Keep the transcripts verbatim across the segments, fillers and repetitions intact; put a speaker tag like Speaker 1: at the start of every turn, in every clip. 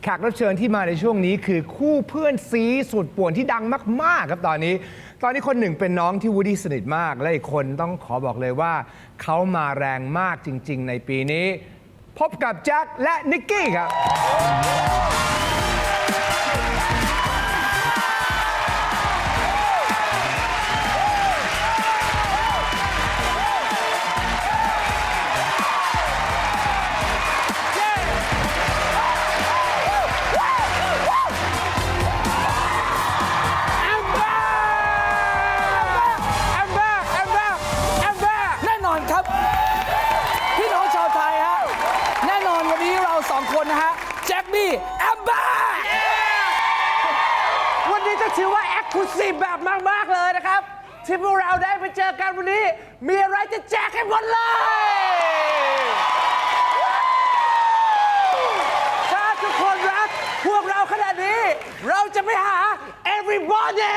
Speaker 1: แขกรับเชิญที่มาในช่วงนี้คือคู่เพื่อนซีสุดป่วนที่ดังมากๆครับตอนนี้ ตอนนี้คนหนึ่งเป็นน้องที่วูดดี้สนิทมากและอีกคนต้องขอบอกเลยว่าเขามาแรงมากจริงๆในปีนี้พบกับแจ็คและนิกกี้ครับ
Speaker 2: แจ็คบี้แอมบ้า
Speaker 3: วันนี้จะถือว่าแอคทีฟแบบมากๆเลยนะครับที่พวกเราได้ไปเจอกันวันนี้มีอะไรจะแจกให้หมดเลยถ้าทุกคนรักพวกเราขนาดนี้เราจะไปหา everybody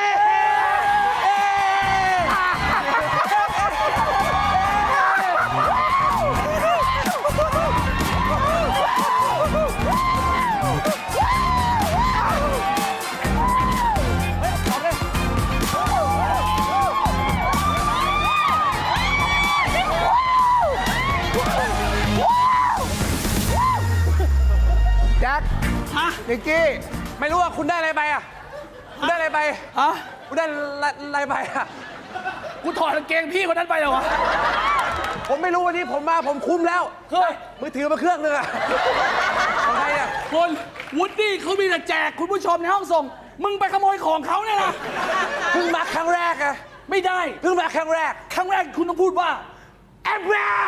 Speaker 1: แจ็คนิกกี้
Speaker 3: ไม่รู้ว่าคุณได้อะไรไปอ่ะคุณได้อะไรไป
Speaker 2: ฮะ
Speaker 3: คุณได้อะไรไปอ่ะ
Speaker 2: กูถอดกางเกงพี่คนนั้นไปเหรอวะ
Speaker 3: ผมไม่รู้วันนี้ผมมาผมคุ้มแล้ว
Speaker 2: เฮ้ย
Speaker 3: มือถือมาเครื่องนึงอ่ะของใครอ่ะ
Speaker 2: คุณวูดดี้เขามีแต่แจกคุณผู้ชมในห้องส่ง มึงไปขโมยของเขาเนี่ยนะ
Speaker 3: เพิ่งมาครั้งแรกอะ
Speaker 2: ไม่ได้
Speaker 3: เพิ่งมาครั้งแรก
Speaker 2: ครั้งแรกคุณต้องพูดว่า
Speaker 3: แอมแบร์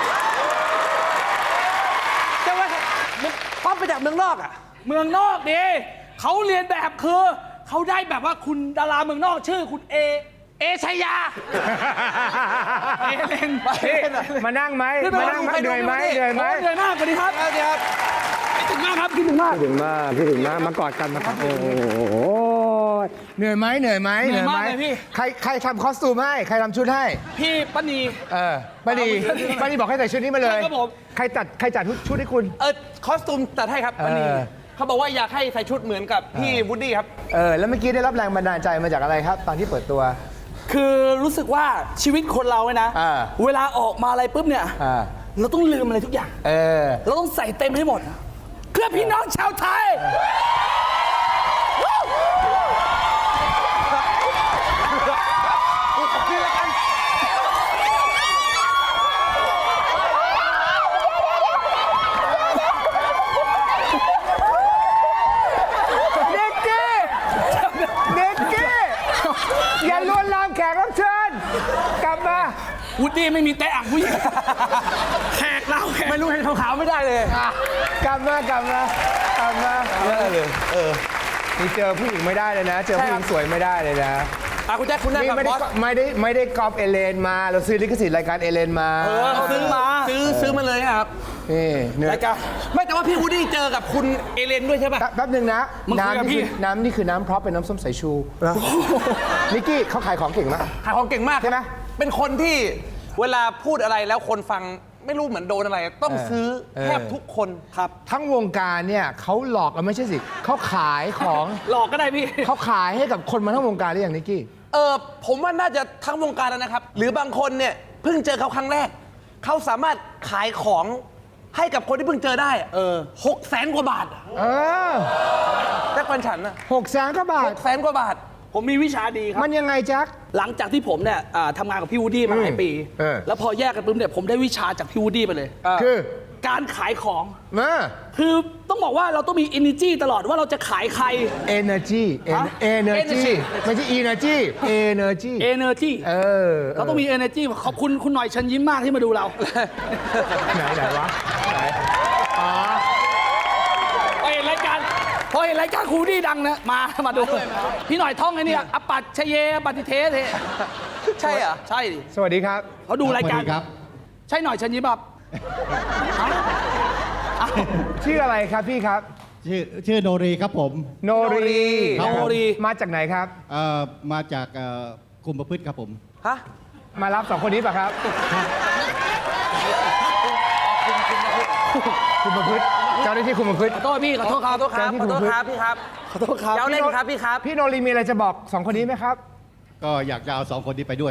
Speaker 3: แต่ว่ามึงป๊อปไปจากเมืองนอกอ่ะ
Speaker 2: เมืองนอกดิเขาเรียนแบบคือเขาได้แบบว่าคุณดาราเมืองนอกชื่อคุณเอ
Speaker 3: เอชัยยา
Speaker 2: เอเลน
Speaker 1: มานั่งไหมมานั่งไหมเหนื่อยไหมเหนื่อยไหม
Speaker 2: เหนื่อยมากสวัสดีครับ
Speaker 3: สวัสดีครับ
Speaker 2: คิดถึงมากครับคิดถึงมาก
Speaker 1: พี่ถึงมากพี่ถึงมากมากอดกันมากอดโอ้โหเหนื่อยไหมเหนื่อยไหม
Speaker 2: เหนื่อยมากเลยพี่
Speaker 1: ใครใครทำคอสตูมให้ใครทำชุดให้
Speaker 2: พี่ป้านี
Speaker 1: เออป้าดีป้าดีบอกให้ใส่ชุดนี้มาเลย
Speaker 2: ใช่ครับผม
Speaker 1: ใครจัดใครจัดชุดให้คุณ
Speaker 3: เออคอสตูมตัดให้ครับวันนี้
Speaker 1: เออ
Speaker 3: เขาบอกว่าอยากให้ใส่ชุดเหมือนกับพี่วูดดี้ครับ
Speaker 1: เออแล้วเมื่อกี้ได้รับแรงบันดาลใจมาจากอะไรครับ ตอนที่เปิดตัว
Speaker 2: คือรู้สึกว่าชีวิตคนเราเนี่ยนะ
Speaker 1: อ่า
Speaker 2: เวลาออกมาอะไรปุ๊บเนี่ย
Speaker 1: อ่า
Speaker 2: เราต้องลืมอะไรทุกอย่าง
Speaker 1: เออ
Speaker 2: เราต้องใส่เต็มให้หมด เพื่อพี่น้องชาวไทย
Speaker 1: เด็กกี้เด็กกี้อย่าลวนลามแขกรับเชิญกลับมา
Speaker 2: วูดดี้ไม่มีแต่อ่างผู้หญิง แขกเราแขก
Speaker 3: ไม่รู้เห็นขาวๆไม่ได้เลย
Speaker 1: กลับมากลับมากลับมา
Speaker 3: ไม่ได้เลย เออ
Speaker 1: นี่เจอผู้หญิงไม่ได้เลยนะ เจอผู้หญิงสวยไม่ได้เลยนะ
Speaker 3: อ่ะคุณแจ็คคุณนั่ง
Speaker 1: นี่
Speaker 3: กับ
Speaker 1: ไม่
Speaker 3: บ
Speaker 1: ได้
Speaker 3: อส
Speaker 1: ไม่ได้ไม่ได้กอบเอเลนมา เราซื้อลิขสิทธิ์รายการเอเลนมา
Speaker 3: เออซื้อมาซื้อซื้อมาเลยครับ
Speaker 1: นี่เนื้อ
Speaker 3: รายการไม่แต่ว่าพี่วูดดี้เจอกับคุณเอเลนด้วยใช่ป่ะ
Speaker 1: แป๊บหนึ่งนะ
Speaker 2: มึงคุยกับ
Speaker 1: น้ำนี่
Speaker 2: พี่
Speaker 1: คือน้ำนี่คือน้ำพร็อพเป็นน้ำส้มสายชูนิกกี้เขาขายของเก่งมาก
Speaker 3: ขายของเก่งมาก
Speaker 1: ใช่ไหม
Speaker 3: เป็นคนที่เวลาพูดอะไรแล้วคนฟังไม่รู้เหมือนโดนอะไร ต้องซื้อ
Speaker 1: เออ
Speaker 3: แทบทุกคนครับ
Speaker 1: ทั้งวงการเนี่ยเขาหลอกกันไม่ใช่สิเขาขายของ
Speaker 2: หลอกก็ได้พี่
Speaker 1: เขาขายให้กับคนมาทั้งวงการหรือยังนิกกี้
Speaker 3: เออผมว่าน่าจะทั้งวงการแล้วนะครับ หรือบางคนเนี่ยเพิ่งเจอเขาครั้งแรก เขาสามารถขายของให้กับคนที่เพิ่งเจอได้อะเออหกแสนกว่าบาทอะ
Speaker 1: เออ
Speaker 3: แจ็คปันฉันอะ
Speaker 1: หกแสนกว่าบา
Speaker 3: ห
Speaker 1: ท
Speaker 3: กแสนกว่าบาท
Speaker 2: ผมมีวิชาดีครับ
Speaker 1: มันยังไงแจ็ค
Speaker 2: หลังจากที่ผมเนี่ยอ่าทำงานกับพี่วูดดี้มาหลายปี
Speaker 1: เออ
Speaker 2: แล้วพอแยกกันปุ๊บเนี่ยผมได้วิชาจากพี่วูดดี้ไปเลย
Speaker 1: คือ
Speaker 2: การขายของ
Speaker 1: มา
Speaker 2: คือต้องบอกว่าเราต้องมี energy ตลอดว่าเราจะขายใคร
Speaker 1: energy
Speaker 2: ฮะ
Speaker 1: energy ไม่ใช่ energy energy
Speaker 2: energy
Speaker 1: เออ
Speaker 2: เราต้องมี energy ขอบคุณคุณหน่อยเชิญยิ้มมากที่มาดูเรา
Speaker 1: ไหนไหนวะไหนอ๋อ
Speaker 2: พอเห็นรายการพอเห็นรายการครูดี้ดังนะมามาดู พี่หน่อยท่องไอ้เนี่ยอปัตชเยอปฏิเทเท
Speaker 3: ใช่เหรอ
Speaker 2: ใช่ดิ
Speaker 1: สวัสดีครับ
Speaker 2: เขาดูรายการ
Speaker 4: สวัสดีครับ
Speaker 2: ใช่หน่อยเชิญยิ้มแบบ
Speaker 1: ชื่ออะไรครับพี่ครับ
Speaker 4: ชื่อชื่อโนรีครับผม
Speaker 1: โนรี
Speaker 2: โนรี
Speaker 1: มาจากไหนครับ
Speaker 4: เอ่อมาจากเอ่อคุมประพฤติครับผม
Speaker 3: ฮะ
Speaker 1: มารับสองคนนี้ป่ะครับ
Speaker 3: ค
Speaker 1: คุมประพฤติเจ้าหน้าที่คุมประพฤติ
Speaker 2: ขอโทษพี่ขอโทษค
Speaker 3: ข
Speaker 2: รั
Speaker 3: อบ โทษครับขอโทษครับพี่ครับ
Speaker 2: ขอโทษครับ
Speaker 3: เจ้าเล่นครับพี่ครับ
Speaker 1: พี่โนรีมีอะไรจะบอกสองคนนี้ไหมครับ
Speaker 4: ก็อยากจะเอาสองคนนี้ไปด้วย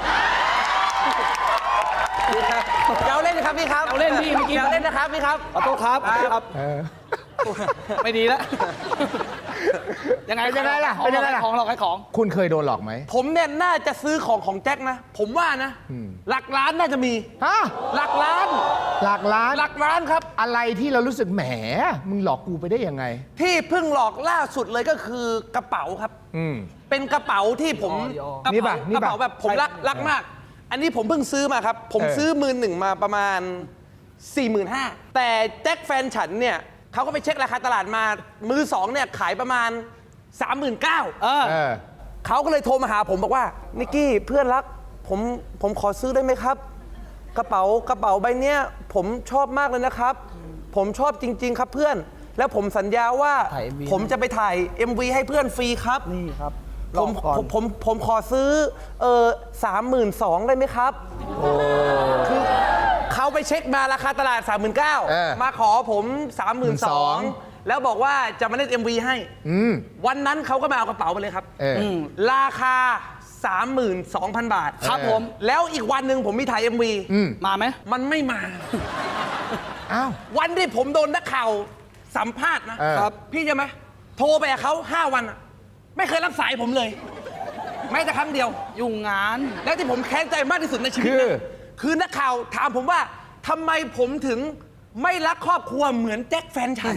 Speaker 3: เจ้าเล่นครับพี่ครับ
Speaker 2: เจ้าเล่นพี่เมื่อกี้
Speaker 3: เจ้าเล่นนะครับพี่ครับ
Speaker 2: ขอโทษครับขอโทษครับ
Speaker 1: เออ
Speaker 2: ไม่ดีแล้วยังไง
Speaker 1: เป็นยังไงล่ะเป็นยังไงล่ะ
Speaker 2: ของเราขายของ
Speaker 1: คุณเคยโดนหลอกไหม
Speaker 3: ผมเนี่ยน่าจะซื้อของของแจ็คนะ ผมว่านะ หลักล้านน่าจะมี
Speaker 1: ฮะ
Speaker 3: หลักล้าน
Speaker 1: หลักล้าน
Speaker 3: หลักล้านครับ
Speaker 1: อะไรที่เรารู้สึกแหม มึงหลอกกูไปได้ยังไง
Speaker 3: ที่เพิ่งหลอกล่าสุดเลยก็คือกระเป๋าครับ
Speaker 1: อืม
Speaker 3: เป็นกระเป๋าที่ผม
Speaker 2: อ๋อ
Speaker 3: กระ
Speaker 1: นี่
Speaker 3: เป๋า
Speaker 1: ป่ะนี่
Speaker 3: กระ
Speaker 1: ป่ะ
Speaker 3: เป๋าแบบผมรักรักมาก อันนี้ผมเพิ่งซื้อมาครับ ผม
Speaker 1: เออ
Speaker 3: ซื้อมือหนึ่งมาประมาณ สี่หมื่นห้าพัน แต่แจ็คแฟนฉันเนี่ยเขาก็ไปเช็คราคาตลาดมามือสองเนี่ยขายประมาณ สามหมื่นเก้าพัน
Speaker 2: เออ
Speaker 1: เออ
Speaker 3: เขาก็เลยโทรมาหาผมบอกว่านิกกี้เพื่อนรักผมผมขอซื้อได้ไหมครับ กระเป๋ากระเป๋าใบเนี้ยผมชอบมากเลยนะครับ ผมชอบจริง ๆ ครับเพื่อน แล้วผมสัญญาว่า
Speaker 2: ถ่าย เอ็ม วี
Speaker 3: ผมจะไปถ่าย เอ็ม วี ให้เพื่อนฟรีครับ
Speaker 2: นี่ครับ
Speaker 3: ผม
Speaker 2: รอก่อน
Speaker 3: ผมผมผมขอซื้อเออสามหมื่นสองได้ไหมครับคือเขาไปเช็คมาราคาตลาด สามหมื่นเก้าพัน
Speaker 1: เออ
Speaker 3: มาขอผม สามหมื่นสอง
Speaker 1: สามหมื่นสอง
Speaker 3: แล้วบอกว่าจะมาเล่น เอ็ม วี ให้
Speaker 1: อืม
Speaker 3: วันนั้นเขาก็มาเอากระเป๋าไปเลยครับ
Speaker 1: เอออ
Speaker 2: ม
Speaker 3: ราคา สามหมื่นสองพัน บาท
Speaker 2: ครับผม
Speaker 3: แล้วอีกวันหนึ่งผมมีถ่าย เอ็ม วี
Speaker 1: อืม
Speaker 2: มาไหม
Speaker 3: มันไม่มา
Speaker 1: อ้าว
Speaker 3: วันที่ผมโดนนักข่าวสัมภาษณ์นะ
Speaker 1: เออ
Speaker 3: ครับ พี่ใช่ไหมโทรไปกับเขาห้าวันอะไม่เคยรับสายผมเลย แม้แต่ครั้งเดียว
Speaker 2: ยุ่งงาน
Speaker 3: แล้วที่ผมแค้นใจมากที่สุดในชีวิต
Speaker 1: คือ
Speaker 3: นะคือนักข่าวถามผมว่าทำไมผมถึงไม่รักครอบครัวเหมือนแจ็คแฟนฉัน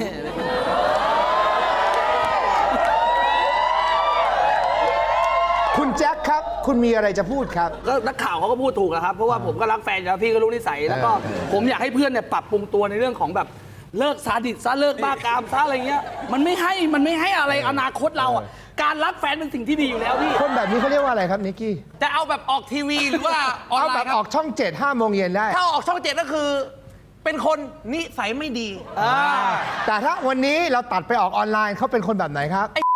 Speaker 1: คุณแจ็คครับ คุณมีอะไรจะพูดครับ
Speaker 2: ก็นักข่าวเขาก็พูดถูกอะครับ เพราะว่าผมก็รักแฟนอยู่แล้วพี่ก็รู้นิสัย แล้วก็ผมอยากให้เพื่อนเนี่ยปรับปรุงตัวในเรื่องของแบบเลิกซาดิสซะเลิกบ้ากามซะอะไรเงี้ย มันไม่ให้มันไม่ให้อะไรอนาคตเราอะการรักแฟนเป็นสิ่งที่ดีอยู่แล้วพี่
Speaker 1: คนแบบนี้เขาเรียกว่าอะไรครับนิกกี้
Speaker 3: จะเอาแบบออกทีวีหรือว่าออน
Speaker 1: เอา
Speaker 3: ไล
Speaker 1: แบบ
Speaker 3: น์ค
Speaker 1: อ
Speaker 3: รั
Speaker 1: อบ กช่องเจ็ดห้าโมงเย็นได้
Speaker 3: ถ้าออกช่องเจ็ดก็คือ เป็นคนนิสัยไม่ดี
Speaker 1: แต่ถ้าวันนี้เราตัดไปออกออนไลน์เขาเป็นคนแบบไหนครับ